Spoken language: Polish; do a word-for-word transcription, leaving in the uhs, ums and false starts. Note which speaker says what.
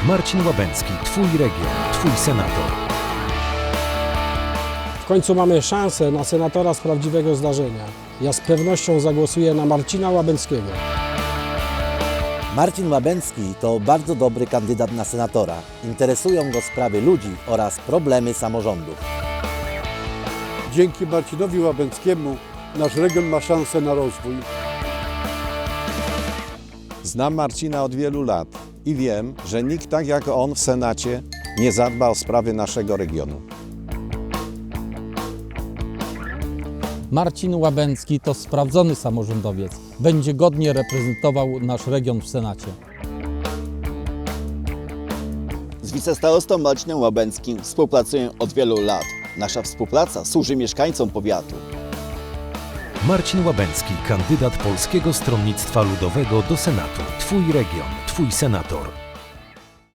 Speaker 1: Marcin Łabęcki, Twój region, Twój senator.
Speaker 2: W końcu mamy szansę na senatora z prawdziwego zdarzenia. Ja z pewnością zagłosuję na Marcina Łabęckiego.
Speaker 3: Marcin Łabęcki to bardzo dobry kandydat na senatora. Interesują go sprawy ludzi oraz problemy samorządów.
Speaker 4: Dzięki Marcinowi Łabęckiemu nasz region ma szansę na rozwój.
Speaker 5: Znam Marcina od wielu lat i wiem, że nikt tak jak on w Senacie nie zadba o sprawy naszego regionu.
Speaker 6: Marcin Łabęcki to sprawdzony samorządowiec. Będzie godnie reprezentował nasz region w Senacie.
Speaker 7: Z wicestarostą Marcinem Łabęckim współpracuję od wielu lat. Nasza współpraca służy mieszkańcom powiatu.
Speaker 1: Marcin Łabęcki, kandydat Polskiego Stronnictwa Ludowego do Senatu. Twój region, Twój senator.